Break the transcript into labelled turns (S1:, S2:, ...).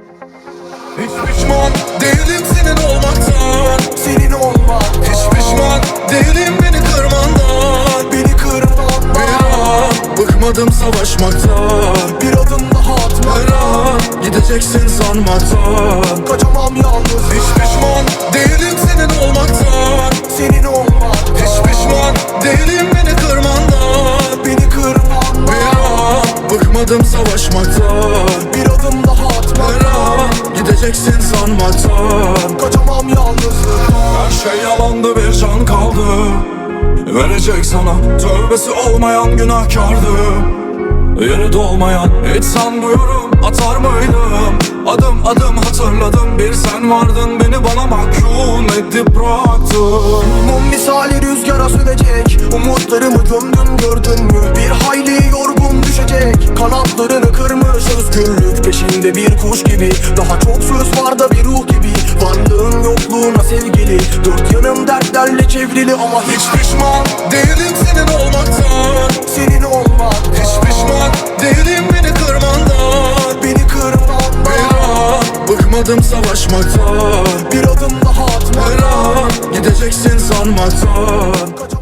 S1: Hiç pişman değilim senin olmaktan,
S2: Senin olmak,
S1: hiç pişman değilim beni kırmandan.
S2: beni kırman,
S1: Bir an bıkmadım savaşmaktan,
S2: bir adım daha
S1: her
S2: atmaktan.
S1: an gideceksin sanmaktan.
S2: Kaçamam yalnız,
S1: Hiç pişman değilim senin olmaktan,
S2: senin olmak,
S1: hiç pişman değilim beni kırmandan.
S2: beni kırman,
S1: Bir an bıkmadım savaşmaktan,
S2: bir adım daha
S1: her
S2: atmaktan.
S1: an gideceksin sanmaktan.
S2: Kaçamam yalnızlıktan.
S1: Her şey yalandı, bir can kaldı verecek sana, tövbesi olmayan günahkardı. Yeri dolmayan hiç sanmıyorum atar mıydım. Adım adım hatırladım, bir sen vardın, beni bana mahkum edip bıraktın.
S2: Mum misali rüzgara sövecek, umutlarımı gömdün gördün mü? Bir hayli yorgun düşecek, kanatlarını kırmış özgürlük peşinde bir kuş gibi. Daha çok söz var da bir ruh gibi, varlığın yokluğuna sevgili. Dört yanım dertlerle çevrili ama
S1: Hiç pişman değilim senin olmaktan,
S2: senin olmak,
S1: hiç pişman değilim beni kırmandan.
S2: beni kırman,
S1: Bir an bıkmadım savaşmaktan,
S2: bir adım daha
S1: her
S2: atmaktan.
S1: an gideceksin sanmaktan.